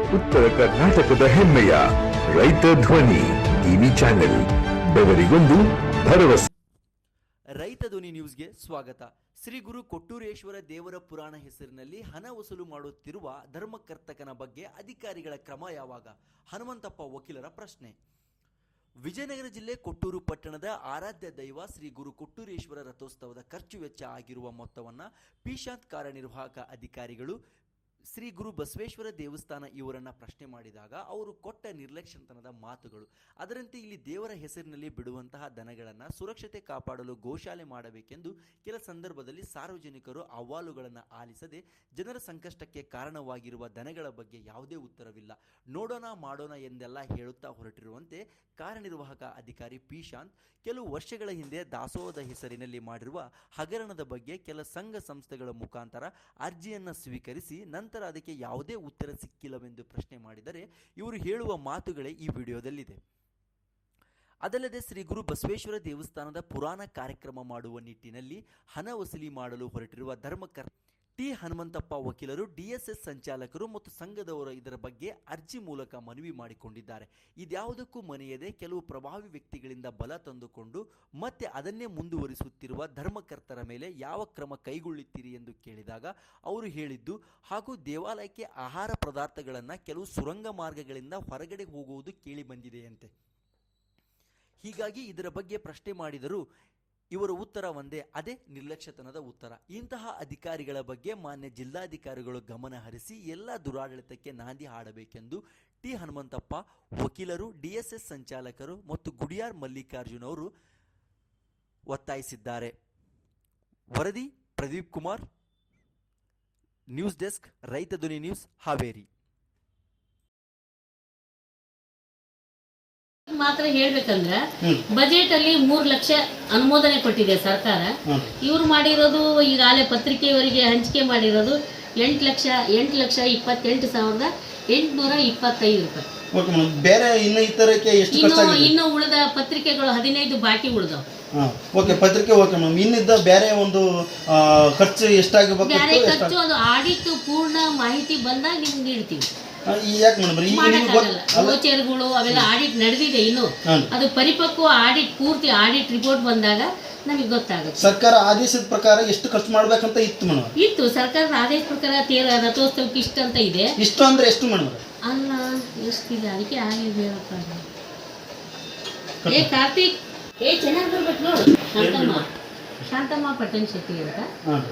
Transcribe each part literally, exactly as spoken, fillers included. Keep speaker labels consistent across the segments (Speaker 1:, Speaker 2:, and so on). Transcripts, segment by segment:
Speaker 1: ಉತ್ತರ ಕರ್ನಾಟಕದ ಹೆಮ್ಮೆಯ ರೈತ ಧ್ವನಿ ಟಿವಿ ಚಾನೆಲ್, ಬೆವರಿಗೊಂದು ಭರವಸೆ.
Speaker 2: ರೈತ ಧ್ವನಿ ನ್ಯೂಸ್ಗೆ ಸ್ವಾಗತ. ಶ್ರೀ ಗುರು ಕೊಟ್ಟೂರೇಶ್ವರ ದೇವರ ಪುರಾಣ ಹೆಸರಿನಲ್ಲಿ ಹಣ ವಸೂಲು ಮಾಡುತ್ತಿರುವ ಧರ್ಮಕರ್ತಕನ ಬಗ್ಗೆ ಅಧಿಕಾರಿಗಳ ಕ್ರಮ ಯಾವಾಗ? ಹನುಮಂತಪ್ಪ ವಕೀಲರ ಪ್ರಶ್ನೆ. ವಿಜಯನಗರ ಜಿಲ್ಲೆ ಕೊಟ್ಟೂರು ಪಟ್ಟಣದ ಆರಾಧ್ಯ ದೈವ ಶ್ರೀ ಗುರು ಕೊಟ್ಟೂರೇಶ್ವರ ರಥೋತ್ಸವದ ಖರ್ಚು ವೆಚ್ಚ ಆಗಿರುವ ಮೊತ್ತವನ್ನು ಪಿಶಾಂತ್ ಕಾರ್ಯನಿರ್ವಾಹಕ ಅಧಿಕಾರಿಗಳು ಶ್ರೀ ಗುರು ಬಸವೇಶ್ವರ ದೇವಸ್ಥಾನ ಇವರನ್ನ ಪ್ರಶ್ನೆ ಮಾಡಿದಾಗ ಅವರು ಕೊಟ್ಟ ನಿರ್ಲಕ್ಷ್ಯತನದ ಮಾತುಗಳು. ಅದರಂತೆ ಇಲ್ಲಿ ದೇವರ ಹೆಸರಿನಲ್ಲಿ ಬಿಡುವಂತಹ ದನಗಳನ್ನು ಸುರಕ್ಷತೆ ಕಾಪಾಡಲು ಗೋಶಾಲೆ ಮಾಡಬೇಕೆಂದು ಕೆಲ ಸಂದರ್ಭದಲ್ಲಿ ಸಾರ್ವಜನಿಕರು ಅಹವಾಲುಗಳನ್ನು ಆಲಿಸದೆ ಜನರ ಸಂಕಷ್ಟಕ್ಕೆ ಕಾರಣವಾಗಿರುವ ದನಗಳ ಬಗ್ಗೆ ಯಾವುದೇ ಉತ್ತರವಿಲ್ಲ. ನೋಡೋಣ ಮಾಡೋಣ ಎಂದೆಲ್ಲ ಹೇಳುತ್ತಾ ಹೊರಟಿರುವಂತೆ ಕಾರ್ಯನಿರ್ವಾಹಕ ಅಧಿಕಾರಿ ಪಿಶಾಂತ್ ಕೆಲವು ವರ್ಷಗಳ ಹಿಂದೆ ದಾಸೋಹದ ಹೆಸರಿನಲ್ಲಿ ಮಾಡಿರುವ ಹಗರಣದ ಬಗ್ಗೆ ಕೆಲ ಸಂಘ ಸಂಸ್ಥೆಗಳ ಮುಖಾಂತರ ಅರ್ಜಿಯನ್ನು ಸ್ವೀಕರಿಸಿ ನಂತರ ಅದಕ್ಕೆ ಯಾವುದೇ ಉತ್ತರ ಸಿಕ್ಕಿಲ್ಲವೆಂದು ಪ್ರಶ್ನೆ ಮಾಡಿದರೆ ಇವರು ಹೇಳುವ ಮಾತುಗಳೇ ಈ ವಿಡಿಯೋದಲ್ಲಿದೆ. ಅದಲ್ಲದೆ ಶ್ರೀ ಗುರು ಬಸವೇಶ್ವರ ದೇವಸ್ಥಾನದ ಪುರಾಣ ಕಾರ್ಯಕ್ರಮ ಮಾಡುವ ನಿಟ್ಟಿನಲ್ಲಿ ಹಣ ವಸೂಲಿ ಮಾಡಲು ಹೊರಟಿರುವ ಧರ್ಮಕರ್ತ ಟಿ ಹನುಮಂತಪ್ಪ ವಕೀಲರು ಡಿಎಸ್ಎಸ್ ಸಂಚಾಲಕರು ಮತ್ತು ಸಂಘದವರು ಇದರ ಬಗ್ಗೆ ಅರ್ಜಿ ಮೂಲಕ ಮನವಿ ಮಾಡಿಕೊಂಡಿದ್ದಾರೆ. ಇದ್ಯಾವುದಕ್ಕೂ ಮನೆಯದೆ ಕೆಲವು ಪ್ರಭಾವಿ ವ್ಯಕ್ತಿಗಳಿಂದ ಬಲ ತಂದುಕೊಂಡು ಮತ್ತೆ ಅದನ್ನೇ ಮುಂದುವರಿಸುತ್ತಿರುವ ಧರ್ಮಕರ್ತರ ಮೇಲೆ ಯಾವ ಕ್ರಮ ಕೈಗೊಳ್ಳುತ್ತೀರಿ ಎಂದು ಕೇಳಿದಾಗ ಅವರು ಹೇಳಿದ್ದು, ಹಾಗೂ ದೇವಾಲಯಕ್ಕೆ ಆಹಾರ ಪದಾರ್ಥಗಳನ್ನು ಕೆಲವು ಸುರಂಗ ಮಾರ್ಗಗಳಿಂದ ಹೊರಗಡೆ ಹೋಗುವುದು ಕೇಳಿ ಬಂದಿದೆಯಂತೆ. ಹೀಗಾಗಿ ಇದರ ಬಗ್ಗೆ ಪ್ರಶ್ನೆ ಮಾಡಿದರೂ ಇವರ ಉತ್ತರ ಒಂದೇ, ಅದೇ ನಿರ್ಲಕ್ಷ್ಯತನದ ಉತ್ತರ. ಇಂತಹ ಅಧಿಕಾರಿಗಳ ಬಗ್ಗೆ ಮಾನ್ಯ ಜಿಲ್ಲಾಧಿಕಾರಿಗಳು ಗಮನ ಹರಿಸಿ ಎಲ್ಲ ದುರಾಡಳಿತಕ್ಕೆ ನಾಂದಿ ಹಾಡಬೇಕೆಂದು ಟಿ ಹನುಮಂತಪ್ಪ ವಕೀಲರು, ಡಿಎಸ್ಎಸ್ ಸಂಚಾಲಕರು ಮತ್ತು ಗುಡಿಯಾರ್ ಮಲ್ಲಿಕಾರ್ಜುನ್ ಅವರು ಒತ್ತಾಯಿಸಿದ್ದಾರೆ. ವರದಿ ಪ್ರದೀಪ್ ಕುಮಾರ್, ನ್ಯೂಸ್ ಡೆಸ್ಕ್, ರೈತ ಧ್ವನಿ ನ್ಯೂಸ್, ಹಾವೇರಿ.
Speaker 3: ಮಾತ್ರ ಹೇಳ್ಬೇಕಂದ್ರೆ ಬಜೆಟ್ ಅಲ್ಲಿ ಮೂರ್ ಲಕ್ಷ ಅನುಮೋದನೆ ಕೊಟ್ಟಿದೆ ಸರ್ಕಾರ. ಇವ್ರು ಮಾಡಿರೋದು ಈಗಾಗಲೇ ಪತ್ರಿಕೆಯವರಿಗೆ ಹಂಚಿಕೆ ಮಾಡಿರೋದು ಎಂಟು ಲಕ್ಷ ಎಂಟು ಲಕ್ಷ ಇಪ್ಪತ್ತೆಂಟು ಸಾವಿರದ ಎಂಟುನೂರ ಇಪ್ಪತ್ತೈದು ರೂಪಾಯಿ.
Speaker 4: ಬೇರೆ ಇನ್ನು ಇತರಕ್ಕೆ ಎಷ್ಟು
Speaker 3: ಇನ್ನು ಇನ್ನು ಉಳಿದ ಪತ್ರಿಕೆಗಳು ಹದಿನೈದು ಬಾಕಿ ಉಳಿದವು.
Speaker 4: ಓಕೆ, ಪತ್ರಿಕೆ ಓಕೆ ಮ್ಯಾಮ್. ಇನ್ನಿದ್ದ ಬೇರೆ ಒಂದು ಖರ್ಚು ಎಷ್ಟಾಗಬೇಕು?
Speaker 3: ಬೇರೆ ಖರ್ಚು ಅದು ಆಡಿಟ್ ಪೂರ್ಣ ಮಾಹಿತಿ ಬಂದಾಗ ನಿಮ್ಗೆ ನೀಡ್ತೀವಿ. ಗೋಚರಗಳು ಅವೆಲ್ಲ ಆಡಿಟ್ ನಡೆದಿದೆ, ಇನ್ನು ಅದು ಪರಿಪಕ್ವ ಆಡಿಟ್ ಪೂರ್ತಿ ಆಡಿಟ್ ರಿಪೋರ್ಟ್ ಬಂದಾಗ ನಮಗೆ ಗೊತ್ತಾಗುತ್ತೆ.
Speaker 4: ಸರ್ಕಾರ ಆದೇಶದ ಪ್ರಕಾರ ಎಷ್ಟು ಖರ್ಚು ಮಾಡ್ಬೇಕಂತ ಇತ್ತು ಮೇಡಮ್?
Speaker 3: ಇತ್ತು ಸರ್ಕಾರದ ಆದೇಶ ಪ್ರಕಾರ ತೇರ ರಥೋತ್ಸವಕ್ಕೆ ಇಷ್ಟ ಅಂತ ಇದೆ.
Speaker 4: ಇಷ್ಟು ಅಂದ್ರೆ ಎಷ್ಟು ಮೇಡಮ್?
Speaker 3: ಅಲ್ಲ, ಎಷ್ಟಿದೆ ಅದಕ್ಕೆ ಆಗಿದೆ. ಏ ಕಾರ್ತಿಕ್, ಏ ಚೆನ್ನಾಗಿ ಬರ್ಬೇಕು ನೋಡು. ಶಾಂತಮ್ಮ ಶಾಂತಮ್ಮ ಪಟ್ಟಣ ಶೆಟ್ಟಿ ಅಂತ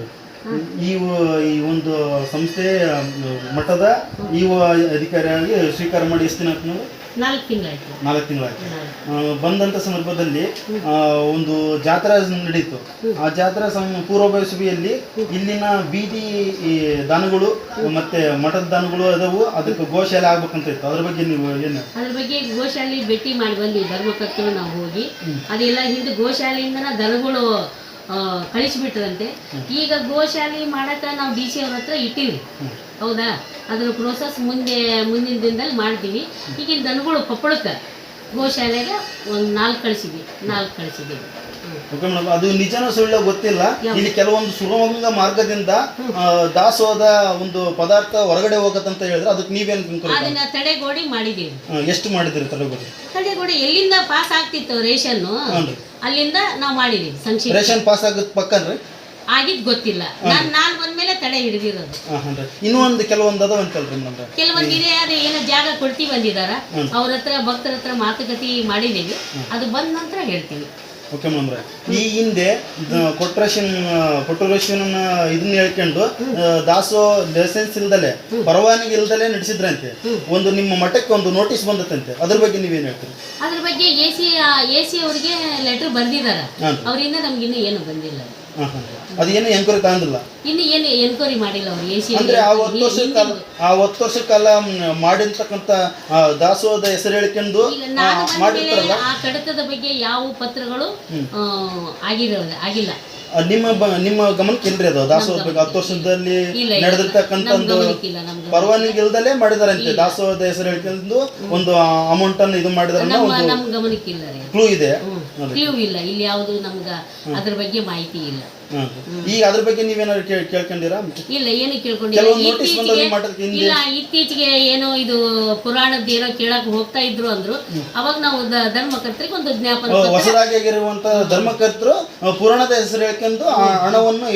Speaker 4: ಈ ಈ ಒಂದು ಸಂಸ್ಥೆ ಮಠದ ಈ ಅಧಿಕಾರಿಯಾಗಿ ಸ್ವೀಕಾರ ಮಾಡಿ ಎಷ್ಟು ದಿನ ಆಯ್ತು?
Speaker 3: ನಾಲ್ಕು ತಿಂಗಳಾಯ್ತು.
Speaker 4: ನಾಲ್ಕು ತಿಂಗಳಾಯ್ತು. ಬಂದಂಥ ಸಂದರ್ಭದಲ್ಲಿ ಒಂದು ಜಾತ್ರಾ ನಡೀತು. ಆ ಜಾತ್ರಾ ಪೂರ್ವಭಾವಿ ಸಭೆಯಲ್ಲಿ ಇಲ್ಲಿನ ಬೀದಿ ದನಗಳು ಮತ್ತೆ ಮಠದ ದನಗಳು ಅದವು, ಅದಕ್ಕೆ ಗೋಶಾಲೆ ಆಗ್ಬೇಕಂತ ಇತ್ತು. ಅದ್ರ ಬಗ್ಗೆ ನೀವು ಏನು?
Speaker 3: ಅದ್ರ ಬಗ್ಗೆ ಗೋಶಾಲೆ ಭೇಟಿ ಮಾಡಿ ಬಂದ್ವಿ ಧರ್ಮಕರ್ತರು ನಾವು ಹೋಗಿ. ಅದೆಲ್ಲ ಹಿಂದೆ ಗೋಶಾಲೆಯಿಂದ ದನಗಳು ಕಳಿಸಿಬಿಟ್ರಂತೆ. ಈಗ ಗೋಶಾಲೆ ಮಾಡಕ ನಾವು ಡಿ ಸಿ ಅವ್ರ ಹತ್ರ ಇಟ್ಟಿವಿ, ಹೌದಾ? ಅದ್ರ ಪ್ರೋಸೆಸ್ ಮುಂದೆ ಮುಂದಿನ ದಿನದಲ್ಲಿ ಮಾಡ್ತೀವಿ. ಈಗಿನ ದನಗಳು ಕೊಪ್ಪಳಕ್ಕೆ ಗೋಶಾಲೆಗೆ ಒಂದು ನಾಲ್ಕು ಕಳಿಸಿದ್ವಿ ನಾಲ್ಕು ಕಳಿಸಿದ್ದೀವಿ.
Speaker 4: ಓಕೆ ಮೇಡಮ್, ಅದು ನಿಜನ ಸುಳ್ಳ ಗೊತ್ತಿಲ್ಲ. ಇಲ್ಲಿ ಕೆಲವೊಂದು ಸುರಂಗ ಮಾರ್ಗದಿಂದ ದಾಸೋಹದ ಒಂದು ಪದಾರ್ಥ ಹೊರಗಡೆ ಹೋಗತ್ತಂತ ಹೇಳಿದ್ರೆ ಅದಕ್ಕೆ ನೀವೇನು?
Speaker 3: ಅದನ್ನ ತಡೆಗೋಡಿ ಮಾಡಿದೀವಿ.
Speaker 4: ಎಷ್ಟು ಮಾಡಿದಿರಿ ತಡೆಗೋಡಿ?
Speaker 3: ತಡೆಗೋಡಿ ಎಲ್ಲಿಂದ ಪಾಸ್ ಆಗ್ತಿತ್ತು ರೇಷನ್, ಅಲ್ಲಿಂದ ನಾವು ಮಾಡಿದೀವಿ. ಸಂಕ್ಷಿಪ್ತ
Speaker 4: ರೇಷನ್ ಪಾಸ್ ಆಗತ್ ಪಕ್ಕನ್ರಿ
Speaker 3: ಆಗಿದ್ ಗೊತ್ತಿಲ್ಲ. ನಾನ್ ನಾನ್ ಬಂದ್ಮೇಲೆ ತಡೆ ಹಿಡಿದಿರೋದು.
Speaker 4: ಇನ್ನೂ ಒಂದು ಕೆಲವೊಂದು ಅದ ಅಂತಲ್ರಿ ಮೇಡಮ್?
Speaker 3: ಕೆಲವೊಂದು ಇದೆ, ಅದು ಏನೋ ಜಾಗ ಕೊಡ್ತೀವಿ ಬಂದಿದಾರ, ಅವ್ರ ಹತ್ರ ಭಕ್ತರ ಹತ್ರ ಮಾತುಕತೆ ಮಾಡಿದೀವಿ. ಅದು ಬಂದ ನಂತರ ಹೇಳ್ತೀವಿ.
Speaker 4: ಓಕೆ ಮೇಡಮ್, ಈ ಹಿಂದೆ ಕೊಟ್ರೇಶನ್ ಕೊಟ್ಟರೇಶನ್ ಇದನ್ನ ಹೇಳ್ಕೊಂಡು ದಾಸೋ ಲೈಸೆನ್ಸ್ ಇಲ್ದಲೆ ಪರವಾನಗಿ ಇಲ್ದಲೆ ನಡೆಸಿದ್ರಂತೆ. ಒಂದು ನಿಮ್ಮ ಮಠಕ್ಕೆ ಒಂದು ನೋಟಿಸ್ ಬಂದತ್ತಂತೆ, ಅದ್ರ ಬಗ್ಗೆ ನೀವೇನು ಹೇಳ್ತೀರಿ?
Speaker 3: ಅದ್ರ ಬಗ್ಗೆ ಎ ಸಿ ಎ ಸಿ ಅವರಿಗೆ ಲೆಟರ್ ಬರ್ದಿದಾರ, ಅವರಿಂದ ನಮ್ಗಿನ್ನೂ ಏನು ಬಂದಿಲ್ಲ.
Speaker 4: ಅದೇನು ಎನ್ಕ್ವೈರಿ ತಗೊಂಡಿಲ್ಲ,
Speaker 3: ಇನ್ನು ಏನು ಎನ್ಕ್ವೈರಿ ಮಾಡಿಲ್ಲ ಅವರು. ಎ ಸಿ
Speaker 4: ಅಂದ್ರೆ ಆ ಹತ್ತು ವರ್ಷ ಕಾಲ ಆ ಹತ್ತು ವರ್ಷ ಕಾಲ ಮಾಡಿರ್ತಕ್ಕಂಥ ದಾಸೋಹದ ಹೆಸರು ಹೇಳ್ಕೊಂಡು ಮಾಡಿರ್ತಾರಲ್ಲ,
Speaker 3: ಆ ಕಡತದ ಬಗ್ಗೆ ಯಾವ ಪತ್ರಗಳು ಆಗಿರೋದು ಆಗಿಲ್ಲ.
Speaker 4: ನಿಮ್ಮ ನಿಮ್ಮ ಗಮನಕ್ಕೆ ಇಲ್ರಿ ಅದು? ದಾಸೋಹದ ಬಗ್ಗೆ ಹತ್ತು ವರ್ಷದಲ್ಲಿ ನಡೆದಿರ್ತಕ್ಕಂಥ ಒಂದು ಪರವಾನಗಿ ಇಲ್ದಲೇ ಮಾಡಿದಾರಂತೆ. ದಾಸೋಹದ ಹೆಸರು ಹೇಳ್ಕೊಂಡು ಒಂದು ಅಮೌಂಟ್ ಅನ್ನು ಇದು ಮಾಡಿದಾರೆ,
Speaker 3: ನಮ್ ಗಮನಕ್ಕೆ ಇಲ್ಲ.
Speaker 4: ಕ್ಲೂ ಇದೆ?
Speaker 3: ಕ್ಲೂ ಇಲ್ಲ ಇಲ್ಲಿ, ಯಾವುದು ನಮ್ಗೆ ಅದ್ರ ಬಗ್ಗೆ ಮಾಹಿತಿ ಇಲ್ಲ.
Speaker 4: ಈಗ ಅದ್ರ ಬಗ್ಗೆ ನೀವೇನಾದ್ರು ಕೇಳ್ ಕೇಳ್ಕೊಂಡಿರಾ?
Speaker 3: ಇಲ್ಲ, ಏನು ಕೇಳ್ಕೊಂಡಿಲ್ಲ.
Speaker 4: ಕೆಲವೊಂದು notice
Speaker 3: ಇತ್ತೀಚೆಗೆ
Speaker 4: ಬಂದದ್ದು ಮಠಕ್ಕೆ ಹಿಂದೆ.
Speaker 3: ಇಲ್ಲ, ಇತ್ತೀಚೆಗೆ ಏನೋ ಇದು ಪುರಾಣದ ಏನೋ ಕೇಳಕ್ ಹೋಗ್ತಾ ಇದ್ರು ಅಂದ್ರು. ಅವಾಗ ನಾವು ದ- ಧರ್ಮಕರ್ತರಿಗೆ ಒಂದು ಜ್ಞಾಪನ ಪತ್ರ
Speaker 4: ಹೊಸದಾಗಿ ಆಗಿರುವಂತ ಧರ್ಮಕರ್ತರು ಪುರಾಣದ ಹೆಸರು ಹೇಳ್ಕೊಂಡು ಆ ಹಣವನ್ನು